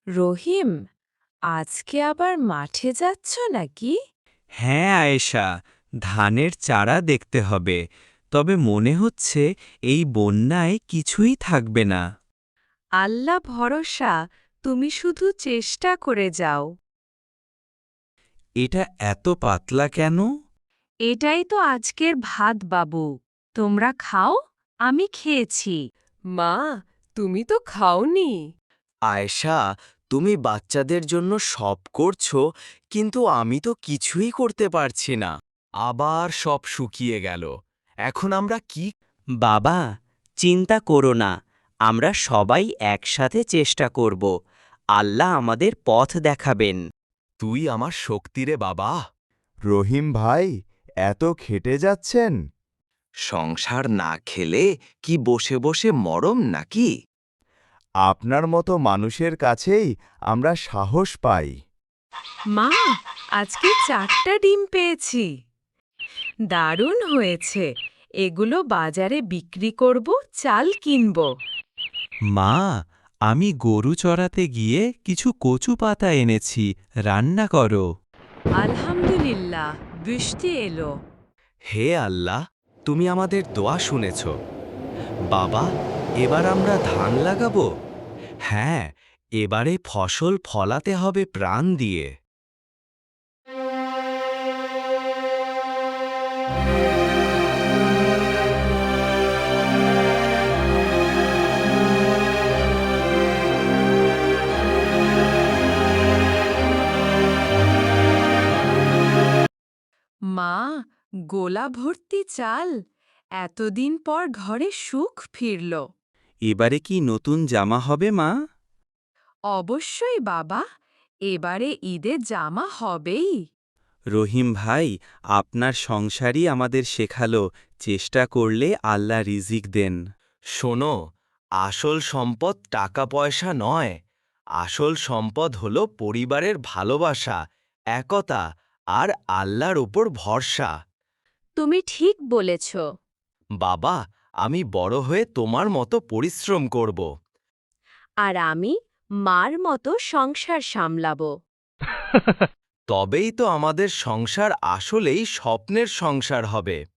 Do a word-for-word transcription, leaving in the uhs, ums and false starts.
রহিম, আজকে আবার মাঠে যাচ্ছ নাকি? হ্যাঁ আয়েশা, ধানের চারা দেখতে হবে। তবে মনে হচ্ছে এই বন্যায় কিছুই থাকবে না। আল্লাহ ভরসা, তুমি শুধু চেষ্টা করে যাও। এটা এত পাতলা কেন? এটাই তো আজকের ভাত বাবু। তোমরা খাও, আমি খেয়েছি। মা, তুমি তো খাওনি। আয়েশা, তুমি বাচ্চাদের জন্য সব করছো, কিন্তু আমি তো কিছুই করতে পারছি না। আবার সব শুকিয়ে গেল। এখন আমরা কি? বাবা, চিন্তা করো না, আমরা সবাই একসাথে চেষ্টা করব। আল্লাহ আমাদের পথ দেখাবেন। তুই আমার শক্তিরে বাবা। রহিম ভাই, এত খেটে যাচ্ছেন? সংসার না খেলে কি বসে বসে মরম নাকি? আপনার মতো মানুষের কাছেই আমরা সাহস পাই। মা, আজকে চারটা ডিম পেয়েছি। দারুণ হয়েছে। এগুলো বাজারে বিক্রি করব, চাল কিনব। মা, আমি গরু চড়াতে গিয়ে কিছু কচু পাতা এনেছি, রান্না করো। আলহামদুলিল্লাহ, বৃষ্টি এলো। হে আল্লাহ, তুমি আমাদের দোয়া শুনেছ। বাবা, এবার আমরা ধান লাগাবো। হ্যাঁ, এবারে ফসল ফলাতে হবে প্রাণ দিয়ে। মা, গোলা ভর্তি চাল। এতদিন পর ঘরে সুখ ফিরল। এবারে কি নতুন জামা হবে মা? অবশ্যই বাবা, এবারে ঈদে জামা হবেই। রহিম ভাই, আপনার সংসারই আমাদের শেখালো, চেষ্টা করলে আল্লাহ রিজিক দেন। শোনো, আসল সম্পদ টাকা পয়সা নয়। আসল সম্পদ হলো পরিবারের ভালোবাসা, একতা আর আল্লাহর উপর ভরসা। তুমি ঠিক বলেছ। বাবা, আমি বড় হয়ে তোমার মতো পরিশ্রম করব। আর আমি মার মতো সংসার সামলাব। তবেই তো আমাদের সংসার আসলেই স্বপ্নের সংসার হবে।